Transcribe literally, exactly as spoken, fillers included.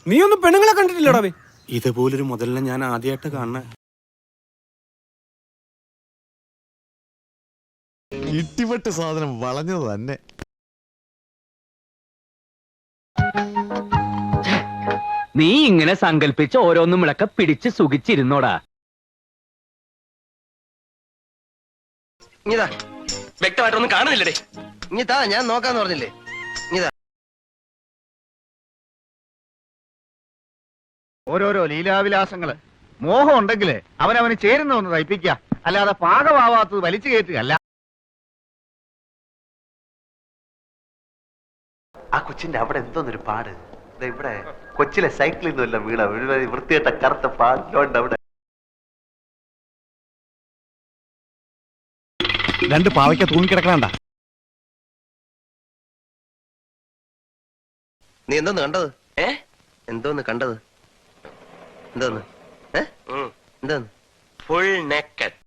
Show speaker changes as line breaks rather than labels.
നീ ഒന്നും പെണ്ണുങ്ങളെ കണ്ടിട്ടില്ലടാ?
ഇതുപോലൊരു മുതലിനെ ഞാൻ ആദ്യമായിട്ട് കാണുന്ന.
ഇട്ടിപ്പെട്ട് സാധനം വളഞ്ഞത് തന്നെ.
നീ ഇങ്ങനെ സങ്കല്പിച്ച് ഓരോന്നും വിളക്ക പിടിച്ച് സുഖിച്ചിരുന്നോടാ.
ഇതാ
വ്യക്തമായിട്ടൊന്നും കാണുന്നില്ലേ?
ഇതാ ഞാൻ നോക്കാന്ന് പറഞ്ഞില്ലേ? ഇതാ
ഓരോരോ ലീലാവിലാസങ്ങള്. മോഹം ഉണ്ടെങ്കില് അവനവന് ചേരുന്ന ഒന്ന് തയ്പ്പിക്കുക, അല്ലാതെ പാകമാവാത്തത് വലിച്ചു കയറ്റുകയല്ല.
ആ കൊച്ചിന്റെ അവിടെ എന്തോന്നൊരു പാട്. ഇവിടെ കൊച്ചിലെ സൈക്കിളിൽ നിന്നല്ല വീണ വൃത്തികെട്ട കറുത്ത പാടിലോണ്ട് അവിടെ.
രണ്ട് പാവയ്ക്ക തൂങ്ങിക്കിടക്കണണ്ട.
നീ എന്തോന്ന് കണ്ടത്? ഏ എന്തോന്ന് കണ്ടത്? എന്തോന്ന്? ഏ എന്തോന്ന്?
Full naked.